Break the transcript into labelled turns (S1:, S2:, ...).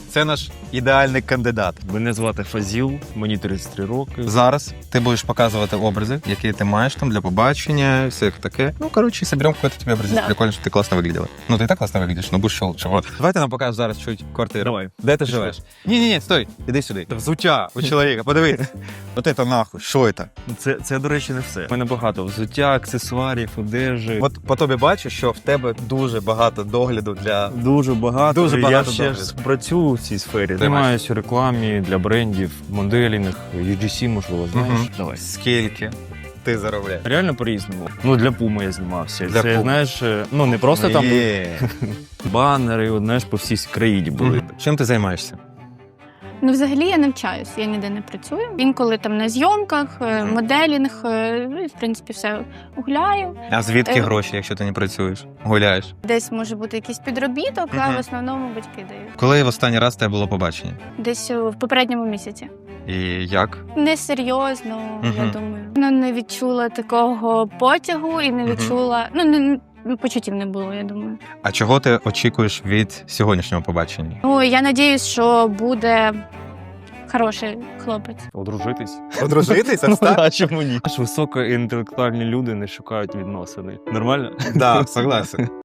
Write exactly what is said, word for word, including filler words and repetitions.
S1: Це наш ідеальний кандидат.
S2: Мене звати Фазіл, мені тридцять три роки.
S1: Зараз ти будеш показувати образи, які ти маєш там для побачення, все таке. Ну, короче, соберем какой-то тебе образец.
S3: Да.
S1: Прикольно, что ты классно выглядела. Ну, ты и так классно выглядишь, но будешь ще лучше. Вот. Давай ти нам покажеш зараз чуть квартиру.
S2: Давай.
S1: Де ти живеш? Ні-ні-ні, стой, іди сюди. Взуття у чоловіка, подивись. От це нахуй, що це?
S2: Це, це, до речі, не все. У мене багато взуття, аксесуарів, одежі.
S1: От по тобі бачу, що в тебе дуже багато догляду для...
S2: Дуже багато.
S1: Дуже багато
S2: Я ще
S1: догляду.
S2: ж працюю в цій сфері. Займаюся у рекламі для брендів, моделінг, ю джі сі, можливо, знаєш.
S1: Мгм.
S2: Давай.
S1: Скільки ти заробляєш?
S2: Реально по-різному. Ну, для Пуми я знімався.
S1: Для
S2: це,
S1: Puma.
S2: знаєш, ну не просто там
S1: Є.
S2: банери, от, знаєш, по всій країні були.
S1: Мгм. Чим ти займаєшся?
S3: Ну, взагалі я навчаюсь, я ніде не працюю. Інколи там на зйомках, е,
S1: Мгм.
S3: моделінг, е, ну, і, в принципі, все гуляю.
S1: А звідки
S3: Е.
S1: гроші, якщо ти не працюєш? Гуляєш?
S3: Десь може бути якийсь підробіток, а
S1: Мгм.
S3: в основному батьки дають.
S1: Коли в останній раз тебе було побачення?
S3: Десь е, в попередньому місяці.
S1: І як?
S3: Несерйозно, я
S1: Мгм.
S3: думаю. Ну, не відчула такого потягу і не
S1: Мгм.
S3: відчула. Ну, не, ну, почуттів не було, я думаю.
S1: А чого ти очікуєш від сьогоднішнього побачення?
S3: Ну, я надіюсь, що буде хороший хлопець.
S2: Одружитись.
S1: Одружитись?
S2: Ну, а чому ні? Аж високоінтелектуальні люди не шукають відносини. Нормально?
S1: Так, согласен.